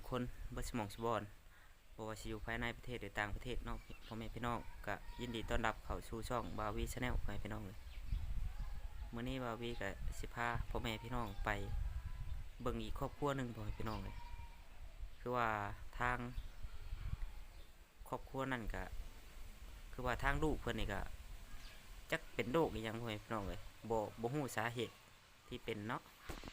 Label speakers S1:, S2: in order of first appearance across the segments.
S1: คนบ่สมองสบอนบ่ว่าสิอยู่ภายในประเทศหรือต่างประเทศเนาะพ่อแม่พี่น้องก็ยินดีต้อนรับเข้าสู่ช่องบาวีชาแนลพ่อแม่พี่น้องเลยมื้อนี้บาวีก็สิพาพ่อแม่พี่น้องไปเบิ่งอีกครอบครัวหนึงพ่อแม่พี่น้องเลยคือว่าทางครอบครัวนั่นก็คือว่าทางลูกเพิ่นนี่ก็จักเป็นโรคอีหยังพ่อแม่พี่น้องเลยบ่ฮู้สาเหตุที่เป็นเนาะ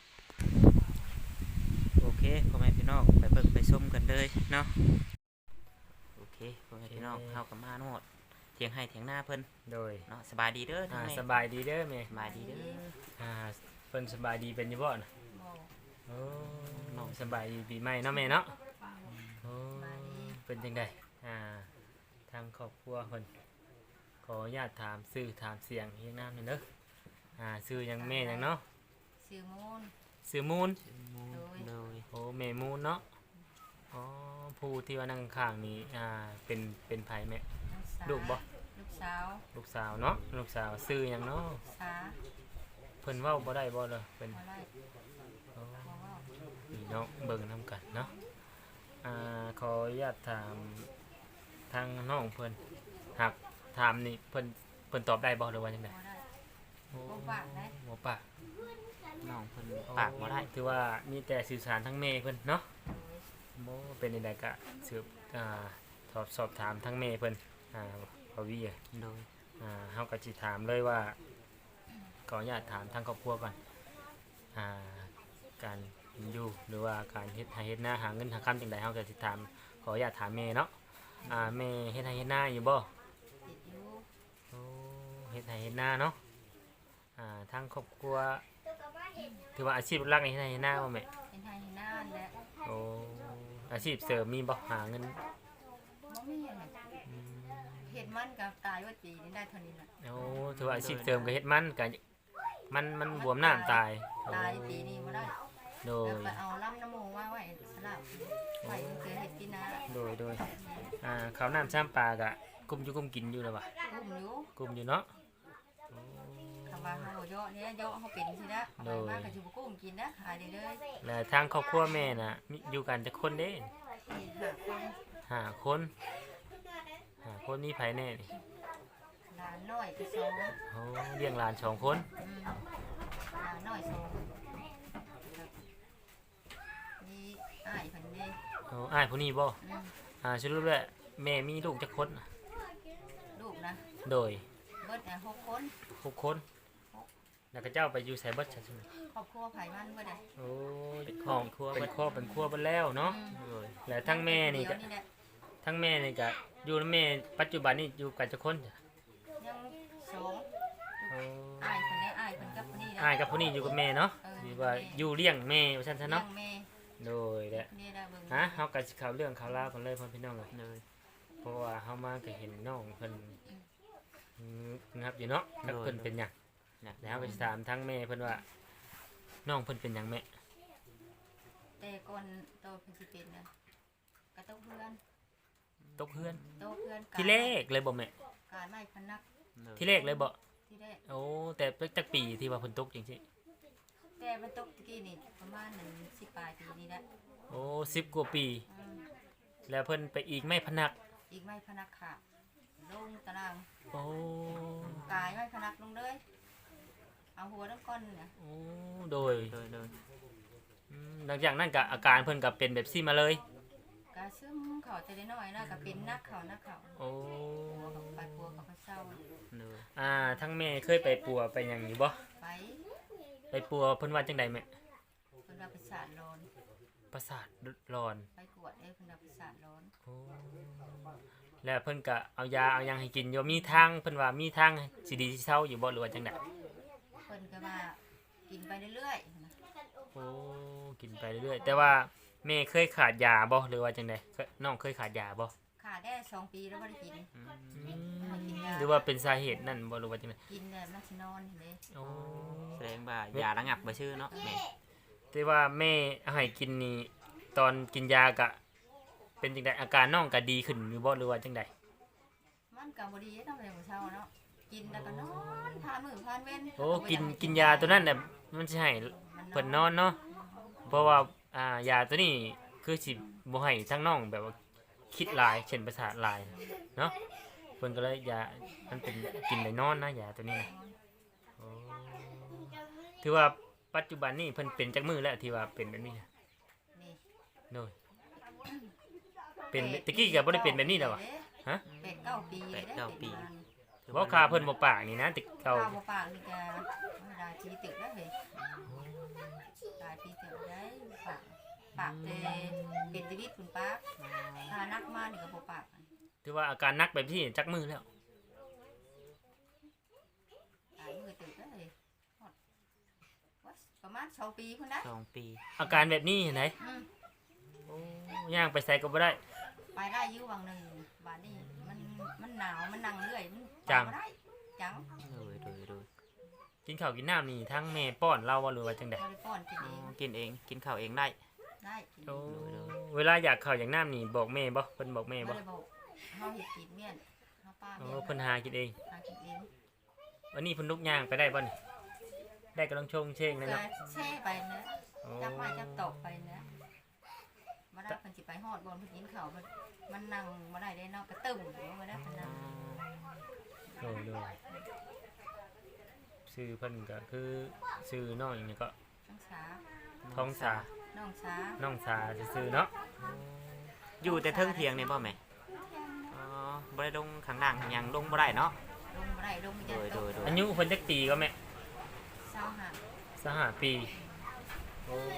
S1: โอเคพ่อแม่พี่น้องไปเบิ่งไปชมกันเลยเนาะโอเคพ่อแม่พี่น้องเฮาก็มาโนดเถียงให้เถียงหน้าเพิ่น
S2: โดย
S1: เนาะสบายดีเด้อทั้งแม่
S2: สบายดีเด้อแม่
S1: สบายดีเด้อ
S2: เพิ่นสบายดีเป็นอยู่บ่น่ะ
S3: บ่
S2: โอ้น้องสบายดีปีใหม่เนาะแม่เนาะโอ้
S3: สบายดี
S2: เป็นจังไดทางครอบครัวเพิ่นขออนุญาตถามชื่อถามเสียงเฮียงนามหน่อยเด้อชื่อหยังแม่หยังเนาะ
S3: ชื่อมูล
S2: ชื่อมูล
S1: โดย
S2: โอ้แม่มูลเนาะอ๋อผู้ที่ว่านั่งข้างนี้เป็นไผแม่ ลูกบ่
S3: ลูกสาว
S2: ลูกสาวเนาะลูกสาวชื่อหยังเนาะ
S3: สา
S2: เพิ่นเว้าบ่ได้บ่เลยเพิ่น
S3: บ่ได้
S2: อ๋อ
S3: บ่เว้า
S2: พี่น้องเบิ่งนำกันเนาะขออนุญาตถามทางน้องเพิ่นหากถามนี่เพิ่นตอบได้บ่หรือว่าจังได๋
S3: บ่ได้
S2: โอ้
S3: บ่ปากได้
S2: บ่ปาก
S1: น้องเพิ่นปากบ่ได้
S2: ถือว่ามีแต่สื่อสารทั้งแม่เพิ่นเนาะ
S3: โดย
S2: บ่เป็นจังไดก็สืบสอบถามทั้งแม่เพิ่นบ่วี
S1: โดย
S2: เฮาก็สิถามเลยว่าขออนุญาตถามทางครอบครัวก่อนการอยู่หรือว่าการเฮ็ดไร่เฮ็ดนาหาเงินหาค่ำจังไดเฮาก็สิถามขออนุญาตถามแม่เนาะแม่เฮ็ดไร่เฮ็ดนาอยู่บ่
S3: ติดอยู่
S2: โอ้เฮ็ดไร่เฮ็ดนาเนาะทางครอบครัวถือว่าอาชีพหลักในเฮ็ดไร่เฮ็ดนาบ่แม่
S3: เป็นไทยนานแล้ว
S2: โอ้อาชีพเสริมมีบ่หาเงิน
S3: บ่มีอันนั้นเฮ็ดมันก็ตายว่าปีนี้ได้เท่านี้ล่ะ
S2: โอ้ถือว่าอาชีพเสริมก็เฮ็ดมันก็มันบวมน้ำตาย
S3: ตายปีนี้บ่ได้
S2: โด
S3: แล้ว
S2: ย
S3: ไปเอาลำน้ำมูกมาไว้สลับไว้เพื่อเฮ็ดกินนะ
S2: โดยข้าวน้ำซ้ำปลาก็กุมอยู่กุมกินอยู่แล้วบ่
S3: อุ้มอยู่
S2: กุมอยู่เนาะ
S3: คำว่าเฮาบ่เยาะเนี่ยเยาะเฮาเป็นสินะเอาไปมาก็สิบ่กุ้มกินนะหายได้เลย
S2: แล้วทางครอบครัวแม่น่ะมีอยู่กันจักคนเด้
S3: หาคน
S2: 5 คนมีไผแน่นี่
S3: หลานน้อยก็สอง
S2: โอ้เลี้ยงหลาน2 คน
S3: หลานน้อยสองมีอ้ายเพิ่นนี่
S2: โอ้อ้ายผู้นี้บ่ สรุปแล้วแม่มีลูกจักคนน่ะ
S3: ลูกนะ
S2: โดย
S3: เบิด6 คน
S2: 6 คนแล้วก็เจ้าไปอยู่ไสเบิดซั่นใช่มั้ย
S3: ครอบครัวไผมันเบิดได้
S2: โอ้ของเป็นครัวเบิดแล้วเนาะ
S1: โดย
S2: แล้วทั้งแม่นี่ก็
S3: เดี๋ยวแหละ
S2: ทั้งแม่นี่ก็อยู่นำแม่ปัจจุบันนี่อยู่กันจักคนจ้ะ
S3: ยังสอง
S2: โอ้
S3: อ้ายเพิ่นได้อ้ายเพิ่นกับคนนี้
S2: อ้ายกับผู้นี้อยู่กับแม่เนาะ
S3: เออ
S2: ที่ว่าอยู่เลี้ยงแม่ว่าซั่นซะ
S3: เนาะ
S2: เนาะ
S3: แม่
S2: โดยแหละ
S3: นี่ได้เบิ่ง
S2: เฮาก็สิเข้าเรื่องเข้าราวกันเลยพ่อพี่น้องเอ้ย
S1: โดย
S2: เพราะว่าเฮามาก็เห็นน้องเพิ่นงับอยู่เนาะจักเพิ่นเป็นหยัง
S1: นะ
S2: แล้วเฮาก็สิถามทั้งแม่เพิ่นว่าน้องเพิ่นเป็นหยังแม่
S3: แต่ก่อนโตเพิ่นสิเป็นนะก็ต้องเพื่อน
S2: ตกเฮือน
S3: โตเพื่อน
S2: ที่แรกเลยบ่แม่
S3: การไม้พนัก
S1: โดย
S2: ที่แรกเลยบ่
S3: ที่แรก
S2: โอ้แต่จักปีที่ว่าเพิ่นตกจริง
S3: แต่มันตกตะกี้นี่ประมาณ10ปลายปีนี่แหละ
S2: ๆโอ้10กว่าปี
S3: อืม
S2: แล้วเพิ่นไปอีกไม่พนัก
S3: อีกไม้พนักขาดลงตาราง
S2: โอ้
S3: กายไม้พนักลงเลยเอาหัวน้ำก้อนเนี่ย
S2: โอ้โดย
S1: โดย
S2: หลังจากนั้นก็อาการเพิ่นก็เป็นแบบซี่มาเลย
S3: กาซึมเขาจะได้น้อยนะก็เป็นนักเขานักเขา
S2: โอ้
S3: ไปปัวเขาก็เศร้า
S1: โดย
S2: ทั้งแม่เคยไปปัวไปหยังอยู่บ่
S3: ไป
S2: ไปปัวเพิ่นว่าจังไดแม่
S3: เพิ่นว่าไปสาดร้อน
S2: ประสาทร้อน
S3: ไปกวดเพิ่นว่าไปสาดร้อน
S2: โอ้แล้วเพิ่นก็เอายาเอาหยังให้กินอยู่มีทางเพิ่นว่ามีทางสิดีสิเซาอยู่บ่หรือว่าจังได
S3: เพิ่นก็ว่ากินไปเรื่อยๆนะ
S2: โอ้กินไปเรื่อยๆแต่ว่าแม่เคยขาดยาบ่หรือว่าจังไดน้องเคยขาดยาบ่
S3: ขาดได้2 ปีแล้วบ่ได้กิน
S2: หรือว่าเป็นสาเหตุนั่นบ่หรือว่าจังได
S3: กินแต่มันสินอนเห็นเด้
S2: โอ้
S1: แสดงว่ายาระงับบ่ชื่อเนาะแม่
S2: แต่ว่าแม่ให้กินนี่ตอนกินยากะเป็นจังไดอาการน้องก็ดีขึ้นอยู่บ่หรือว่าจังได
S3: มันก็บ่ดีเนาะแต่มื้อเช้าเนาะกินแล้วก็นอนผ่านมื้อผ่านเว้น
S2: โอ้กินยาตัวนั้นน่ะมันสิให้เพิ่นนอนเนาะเพราะว่ายาตัวนี้คือสิบ่ให้ทั้งน้องแบบว่าคิดหลายเช่นประสาทหลายเนาะเพิ่นก็เลยยามันเป็นกินได้นอนนะยาตัวนี้นะโอ้ถือว่าปัจจุบันนี้เพิ่นเป็นจักมือแล้วที่ว่าเป็นแบบนี้นะ
S3: นี่
S2: โดยเป็นตะกี้ก็บ่ได้เป็นแบบนี้แล้ววะฮะ
S3: 8-9 ปีเลยได้เป็นมา
S2: บ่คาเพิ่นบ่ปากนี่นะติเก่า
S3: ข้าวบ่ปากนี่ก็ได้ทีตึกแล้วเฮ้ยได้ทีตึกได้ปากแต่เป็นชีวิตคุณป้าถ้านักมานี่ก็บ่ปาก
S2: ถือว่าอาการหนักแบบที่จักมือแล้ว
S3: ตายมือตึกแล้วเฮ้ยฮอดประมาณ2 ปีพุ่นนะ
S1: 2 ปี
S2: อาการแบบนี้เห็นไหน
S3: อืม
S2: โอ้ย่างไปใส่ก็บ่ได้
S3: ไปได้อยู่วังหนึงบาดนี้มันหนาวมันนั่งเรื่อยมัน
S2: จัง
S3: ไปบ่ได้จัง
S1: โดย
S2: กินข้าวกินน้ำนี่ทั้งแม่ป้อนเราว่าหรือว่าจังได๋
S3: บ่ได้ป้อนกิน
S1: อ๋
S3: เอ
S1: อง กินเองกินข้าวเองได้
S3: ได้กิน
S2: โอ้เวลาอยากข้าวอยากน้ำนี่บอกแม่บ่เพิ่นบอกแม่
S3: บ่
S2: บ่
S3: ได้บอกเฮาเฮ็ดกินเมียนเฮาป้า
S2: โอ้
S3: เมียน
S2: เพิ่นหากินเอง
S3: หากินเอง
S2: วันนี้เพิ่นลุกย่างไปได้บ่นี่ได้กำลังชงเชงเลย
S3: ก็
S2: เนาะ
S3: แช่ไปนะ
S2: โอ้
S3: จับไม้จับตอกไปนะมาได้เพิ่นสิไปฮอดบนเพิ่นกินข้าวมันนั่งบ่ได้ได้เนาะก็ตึ้มบ่ได้เพิ่นนั่ง
S2: โอ้โดยชื่อเพิ่นก็คือชื่อน้องอีกนี่ก็
S3: น้องสา
S2: ท้องสา
S3: น้องสา
S2: น้องสาซื่อๆเนาะ
S1: อยู่แต่เทิงเถียงนี่บ่แม่อ๋อบ่ได้ลงข้างล่างข้างหยังลงบ่ได้เนาะ
S3: ลงบ่ได้ลงยันตก
S1: โดย
S2: อายุเพิ่นจักปีก็แม่
S3: เศร้าหา
S2: 25ปีโอ้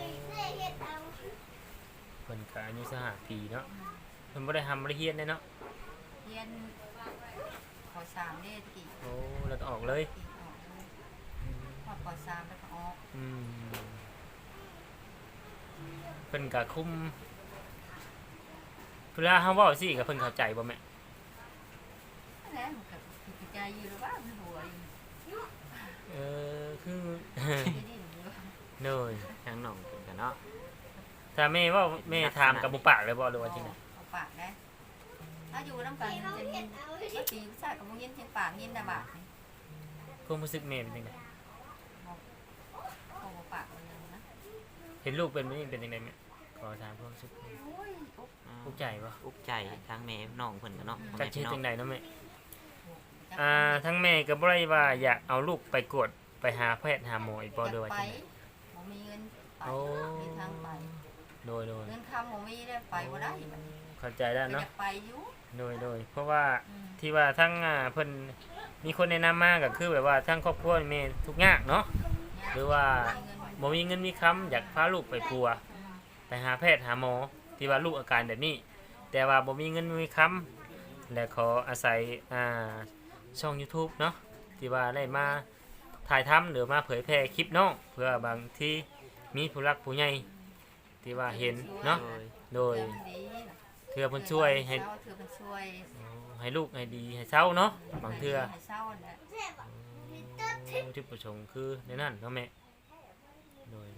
S2: เพิ่นก็อายุ25ปีเนาะเพิ่นบ่ได้ทำบ่ได้เฮียนเลยเนาะ
S3: เรียนป .3 เด้ตะกี้
S2: โอ้แล้วก็ออกเลย
S3: ปีออกเลยพอดป .3 แล้วก็ออก
S2: อืมเพิ่นก็คุมเวลาเฮาเว้าสิก็เพิ่นเข้าใจบ่แม่
S3: นั่นแหละมันก็ผิดใจอยู่แล้วว่ามันหัวอยู่
S2: คือ
S3: ที่ดินอยู่
S2: โดย
S1: ทางน้องเพิ่นก็เนาะ
S2: ถ้าแม่เว่าแม่ถามกับบ่ปากเลยบ่หรือว่าจังได๋
S3: เอาปากได้ถ้าอยู่น้ำกันจะยินว่าปีผู้ชายกับมึงยินเชียงปากยินนะบาทนี่
S2: ความรู้สึกแม่เป็นจังได๋
S3: เอาปากมันเลยนะ
S2: เห็นลูกเป็นแบบนี้เป็นจังได๋แม่ขอถามความรู้สึก
S3: โอ้ยอุ๊บ
S2: ภูมิใจบ่
S1: อุกใจทางแม่น้องเพิ่นก็เนาะพ่อ
S2: จั
S1: แม่
S2: กเฮ็
S1: พี่
S2: ด
S1: น้อง
S2: จังได๋เนาะแม่
S3: จัก
S2: ทั้งแม่ก็บ่ได้ว่าอยากเอาลูกไปกวดไปหาแพทย์หาหมออีกบ่หรือว่า
S3: ไป
S2: จังได๋
S3: บ่มีเงินไป
S2: โอ้
S3: มีทางไป
S2: โดย
S3: เงินคำบ่มีได้ไปบ่ได้บัดนี้
S2: เข้าใจแล้ว
S3: ก็
S2: เนาะ
S3: จะไปอยู่
S2: โดยเพราะว่า
S3: อืม
S2: ที่ว่าทั้งเพิ่นมีคนแนะนำมาก็คือแบบว่าทั้งครอบครัวแม่ทุกข์ยากเนาะหรือว่าบ่มีเงินมีคำอยากพาลูกไปปัว ไปหาแพทย์หาหมอที่ว่าลูกอาการแบบนี้ แต่ว่าบ่มีเงินมีคำและขออาศัยช่อง YouTube เนาะที่ว่าได้มาถ่ายทำหรือมาเผยแพร่คลิปน้องเพื่อบางที่มีผู้รักผู้ใหญ่ที่ว่าเห็นเนาะ
S1: โดย
S2: โดย
S3: เทื่อมันดีน่ะ
S2: เทื่อเพิ่นช่วยให้
S3: เทื่อมันช่วย
S2: ให้ลูกให้ดีให้เศร้าเนาะบางเทื่อ
S3: ให้เศร้าน่ะ
S2: จุดประสงค์คือในนั้นเนาะแม่โดย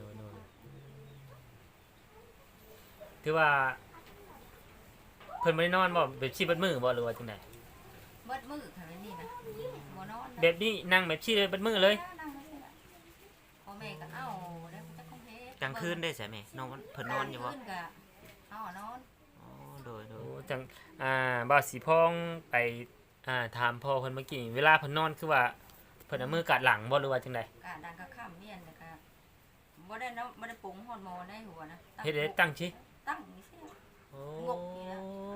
S2: ถือว่าเพิ่นบ่ได้นอนบ่แบบชีบัดมือบ่หรือว่าจังได๋
S3: เบิดมือค่ะนี่นะบ่นอนนะ
S2: แบบนี้นั่งแบบชีเลยบัดมือเลย
S3: นั่งไม่ใช่ละพ่อแม่ก็เอาแล้วมันจะคงเฮ็ด
S1: กลางคืนได้ใช่ไหมน้องเพิ่นนอนอยู่บ่
S3: กลางคืนก็เอานอน
S1: อ๋อโดย
S2: โอ้จังบ่าวสีพองไปถามพ่อเพิ่นเมื่อกี้เวลาเพิ่นนอนคือว่าเพิ่นเอามือกัดหลังบ่หรือว่าจังได๋
S3: กะดังก็ข้ามเมียนแล้วก็บ่ได้เนาะบ่ได้ปรุงฮอดหมอในหัวนะ
S2: เฮ็ดได้ตั้งชิ
S3: ตั้งนี่สิ
S2: โอ้
S3: งกนี่นะ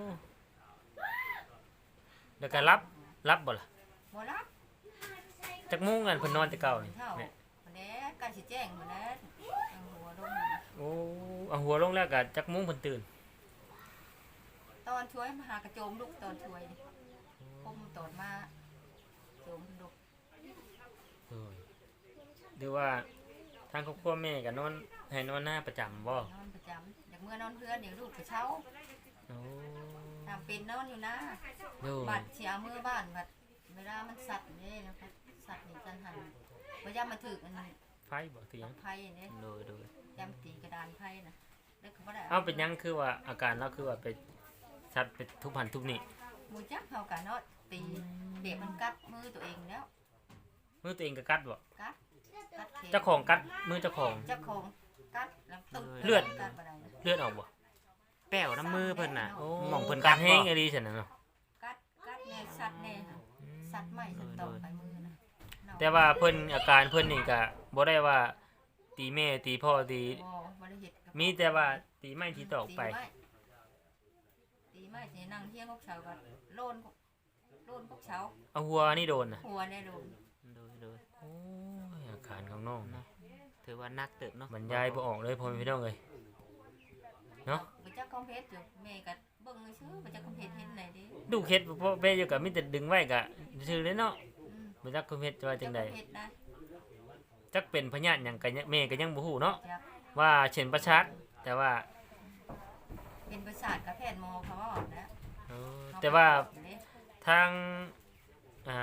S2: แล้วก็รับบ่ล่ะ
S3: บ่รับ
S2: จักโมงกันเพิ่นนอนแต่เก่านี่
S3: เท่า
S2: แม่
S3: วันนี้การสิแจ้งมื้อนั้นเอาหัวลง
S2: โอ้เอาหัวลงแล้วก็จักโมงเพิ่นตื่น
S3: ตอนช่วยมาหากระโจมลูกตอนช่วยนี่คมตอนมาโจมลูก
S2: โอ้ยหรือว่าทางครอบครัวแม่ก็นอนให้นอนหน้าประจำบ่
S3: นอนประจำอยากเมื่อนอนเพื่อนเดี๋ยวลูกไปเช้า
S2: โอ้
S3: ทำเป็นนอนอยู่นะ
S2: โดย
S3: บัดเสียมือบ้านบัดเวลามันสัตว์นี่นะครับสัตว์นี่จันหันบ่ยามมาถึกอัน
S2: ไฟบ่เตียง
S3: ไพ่นี่
S1: โดย
S3: ยามตีกระดานไพ่นะแล้วก็บ่ได้
S2: เอาเป็นหยังคือว่าอาการเราคือว่าไปสัตว์ไปทุบหันทุบนี่
S3: หมูจักเฮากันเนาะตีเด็กมันกัดมือตัวเองแล้ว
S2: มือตัวเองก็กัดบ่
S3: กัดเข็ม
S2: เจ้าของกัดมือเจ้าของ
S3: เจ้าของกัดแล้วตึก
S2: เลือด
S3: กัดบ่ได้นะ
S2: เลือดออกบ่
S1: ป้วน้ำมือเพิ่นน่ะ
S2: โอ้
S1: หม่องเพิ่น
S2: กั
S1: กั
S2: ด
S1: ด
S2: แห้ง
S1: บ่
S2: อีหลีซั่นน่ะเนาะ
S3: กัดแน่สัดแน่ค่ะสัดไม่สัดตอกไปมือนะเนาะ
S2: แต่ว่าเพิ่นอาการเพิ่นนี่ก็บ่ได้ว่าตีแม่ตีพ่อตี
S3: บ่ได้เฮ็ดกับ
S2: มีแต่ว่าตีไม้ที่ตอกไป
S3: ตีไม้สินั่งเที่ยงพวกเช้าก็โลนพวกเช้า
S2: เอาหัวนี่โดนน่ะ
S3: หัวแน่โดน
S1: โดย
S2: โอ้ยอาการของน้องนะ
S1: ถือว่านักเติบเนาะ
S2: บรรยายบ่ออกเลยพ่อแม่พี่น้องเอ้ยเนาะ
S3: บ่จักคอมเพชอยู่แม่ก็เบิ่งซื่อบ่จักคอมเพชเห็นไหนเด้
S2: ดูเฮ็ดพ่อแม่อยู่ก็มีแต่ดึงไว้ก็ซื่อเลยเนาะ
S3: อืม
S2: บ่จักคุมเฮ็ดว่าจังได๋
S3: คอมเพชนะ
S2: จักเป็นพยาธิหยังก็แม่ก็ยังบ่ฮู้เนาะ
S3: จัก
S2: ว่าเช่นประชาดแต่ว่า
S3: เป็นประสาทกับแพทย์หมอเขาว่านะ
S2: เออแต่ว่า
S3: เด้
S2: ทางอ่า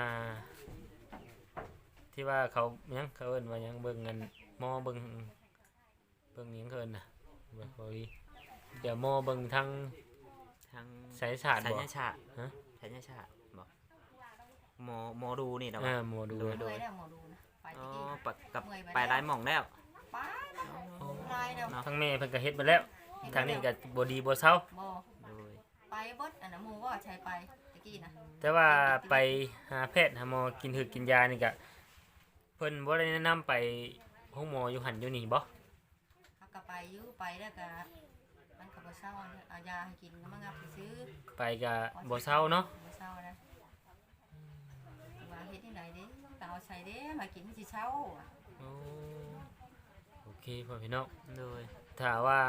S2: ที่ว่าเขาหยังเขาเอิ้นว่าหยังเบิ่งเงินหมอเบิ่งหยังเขาเอิ้นน่ะบ่พอดีเดี๋ยวหมอเบิ่งทาง
S1: ทาง
S2: ไสยศาสตร์
S1: สัญ
S2: บ่
S1: ญาชาติ
S2: ฮะ
S1: สัญญาชาติบ่หมอดูนี่นะ
S2: เอ
S1: ว่า
S2: อหมอดู
S1: โดย
S3: เมื่อยแล้วหมอดูนะไป
S1: อ๋อ
S3: ที่นี่
S1: ปะกับไปหลายหม่องแล้ว
S3: ไปลายแล้ว
S2: ทางแม่เพิ่นก็เฮ็ดมาแล้ว ทางนี้ก็บ่ดีบ่เซา
S3: บ่
S1: โดย
S3: ไปเบิดอันนั้นหมู่ว่าใช้ไปตะกี้นะ
S2: แต่ว่าไปหาแพทย์หาหมอกินถึกกินยานี่ก็เพิ่นบ่ได้แนะนำไปห้องหมออยู่หั่นอยู่นี่บ่
S3: เขาก็ไปอยู่ไปแล้วก็มันก็บ่เศร้าเนี่ยเอายาให้กินมางับไปซื้อ
S2: ไปก็บ่เซาเนาะ
S3: บ่เศร้านะว่าเฮ็ดที่ไหนเด้ก็เอาใส่เด้มากินมันสิเช้าอะ
S2: โอ้โอเคพ่อพี่น้อง
S1: โดย
S2: ถ้าว่า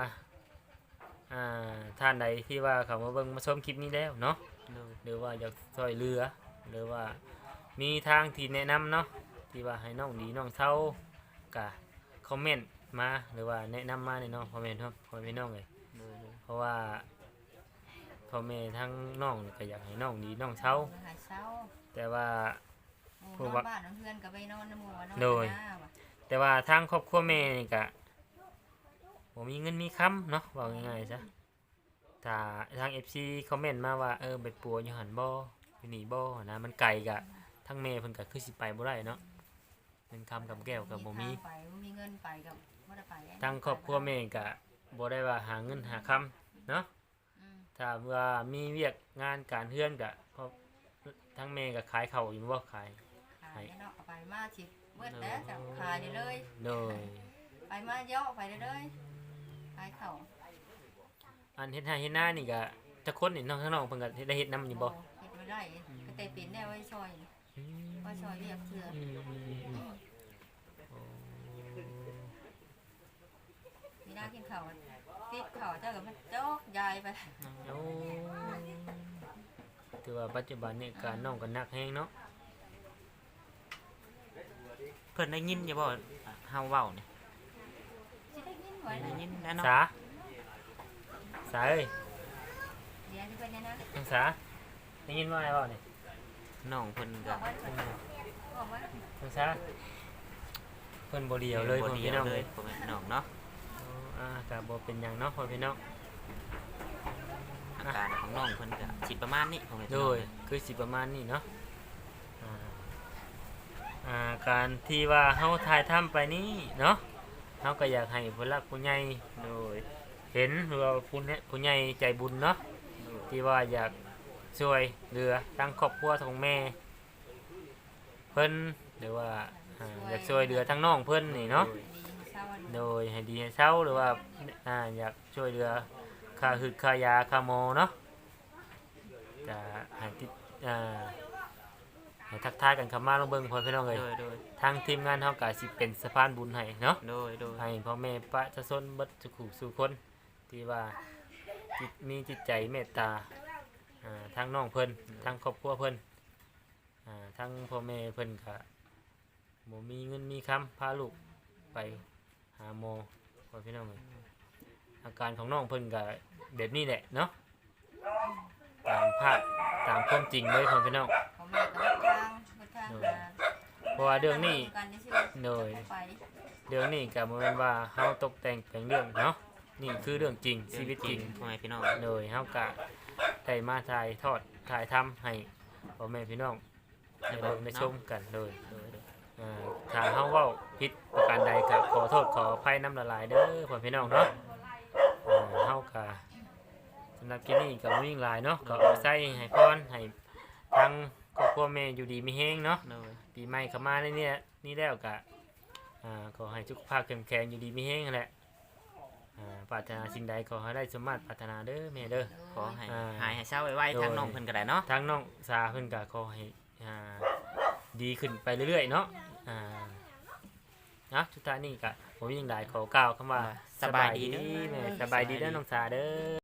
S2: ท่านใดที่ว่าเขามาเบิ่งมาชมคลิปนี้แล้วเนาะ
S1: โดย
S2: หรือว่าอยากช่วยเหลือหรือว่ามีทางที่แนะนำเนาะที่ว่าให้น้องดีน้องเศร้าก็คอมเมนต์มาหรือว่าแนะนำมาในน้องพ่อแม่ครับพ่อแม่น้องเลย
S1: โดย
S2: เพราะว่าพ่อแม่ทั้งน้องก็อยากให้น้องดีน้องเศร้า
S3: หายเช้า
S2: แต่ว่า
S3: หมู่
S2: ผู้
S3: นอ
S2: ว่า
S3: นบ้านนอนเพื่อนก็ไปนอนในหมู่ว่านอน
S2: โดย
S3: หน้าว่ะ
S2: แต่ว่าทางครอบครัวแม่นี่ก็บ่มีเงินมีค้ำเนาะว่าง่ายๆซะถ้าทาง FC คอมเมนต์มาว่าไปปัวอยู่หันบ่อยู่นี่บ่นะมันไกลก็ทั้งแม่เพิ่นก็คือสิไปบ่ได้เนาะเงินคำกับแก้วก็บ่มี
S3: ทางไปบ่มีเงินไปก็บ่ได้ไป
S2: ทางครอบครัวแม่ก็บ่ได้ว่าหาเงินหาคำเนาะ
S3: อืม
S2: ถ้าว่ามีเวียกงานการเฮือนก็เพราะทั้งแม่ก็ขายข้าวอยู่บ่ขาย
S3: ขายเนาะเอาไปมาสิเบิดแล้วจะขายได้เลย
S2: โดย
S3: ไปมาเยอะไปได้เลยขายข้าว
S2: อันเฮ็ดให้เฮ็ดหน้านี่ก็จักคนนี่น้องทั้งน้องเพิ่นก็ได้เฮ็ดนํอยู่บ่
S3: เฮ็ดไว้ได้ก็แต่เป็นแน่ไว้ซอยไว้ซอยเรียกเชื่อ
S2: อืมโอ้
S3: มีหน้ากินข้าวติดข้าวเจ้าก็มันจอกยายไป
S2: โอ้ถือว่าปัจจุบันนี่การน้องก็หนักแฮงเนาะ
S1: เพิ่นได้ยินอยู่บ่เฮาเว้านี่
S3: สิได้ยินไว้
S1: ได้
S3: นะ
S1: ยินแล้วเนาะ
S2: สาเอ้ย
S3: เดี๋ยวที่เพิ่นเนี่ยนะ
S2: น้องสาได้ยินว่าอะไรบ่นี่
S1: น้องเพิ่น
S3: บ
S1: ก็
S3: อกว่าบอกว่า
S2: น้องสาเพิ่นบ่เดียวเลย
S1: บ่
S2: พ่อ
S1: ดี
S2: พี่น้อง
S1: เล
S2: เลย ย
S1: พ่อแม่พี่น้องเนาะ
S2: ก็บ่เป็นหยังเนาะพ่อพี่น้อง
S1: อาการของน้องเพิ่นก็สิประมาณนี้พ่อแม่พี่
S2: โด
S1: น้อง
S2: ยคือสิประมาณนี้เนาะอ่าการที่ว่าเฮาถ่ายทำไปนี่เนาะเฮาก็อยากให้ผู้หลักผู้ใหญ่
S1: โดย
S2: เห็นหรือว่าผู้ใหญ่ใจบุญเนาะที่ว่าอยากช่วยเหลือทั้งครอบครัวของแม่เพิ่นหรือว่าอยากช่วยเหลือทั้งน้องเพิ่นนี่เนาะ
S3: ดีเศร้า
S2: โดยให้ดีให้เศร้าหรือว่าอยากช่วยเหลือค่าหึดค่ายาค่าหมอเนาะจะให้ติดให้ทักทายกันคำมาลงเบิ่งพ่อพี่น้องเลย
S1: โดย
S2: ทางทีมงานเฮาก็สิเป็นสะพานบุญให้เนาะ
S1: โดย
S2: ให้พ่อแม่ประชาชนเบิดทุกคู่สู่คนที่ว่ามีจิตใจเมตตาทางน้องเพิ่นทางครอบครัวเพิ่นทางพ่อแม่เพิ่นก็บ่มีเงินมีคำพาลูกไปหาหมอพ่อพี่น้องเอ้ยอาการของน้องเพิ่นก็แบบนี้แหละเนาะตามภาพตามความจริงเลยพ่อพี่น้อง
S3: ของแม่ก็ทางมา
S2: เพราะว่าเรื่องนี้
S3: กันนี่ชื่อ
S2: โดย
S3: ไป
S2: เรื่องนี้ก็บ่แม่นว่าเฮาตกแต่งแต่งเรื่องเนาะนี่คือเรื่องจริงชีวิตจริง
S1: พ่อแม่พี่น้อง
S2: โดยเฮากะได้มาถ่ายทอดถ่ายทำให้พ่อแม่พี่น้องได้เบิ่งได้ชมกันโดยถ้าเฮาเว้าผิดประการใดก็ขอโทษขออภัยน้ำละลายเด้อพ่อพี่น้องเนาะเฮากะำหรับคลิปนี้ก็บ่มีหยังหลายเนาะก็เอาใส่ให้พรให้ทางครอบครัวแม่อยู่ดีมีแฮงเนาะ
S1: โดย
S2: ปีใหม่เข้ามาในเนี่ยนี่แล้วก็ขอให้สุขภาพเข้มแข็งอยู่ดีมีแฮงนั่นแหละปรารถนาสิ่งใดขอให้ได้สมมาตรปรารถนาเด้อแม่เด้อ
S1: ขอให้
S2: อ่า
S1: หายให้เศร้าไวๆทางน้องเพิ่นก็ได้เนาะ
S2: ทางน้องสาเพิ่นก็ขอให้ดีขึ้นไปเรื่อยๆเนาะนะสุดท้ายนี้ก็ผมยังได้ขอกล่าวคำว่า
S1: สบายดีเด้อ
S2: แม่สบายดีเด้อน้องสาเด้อ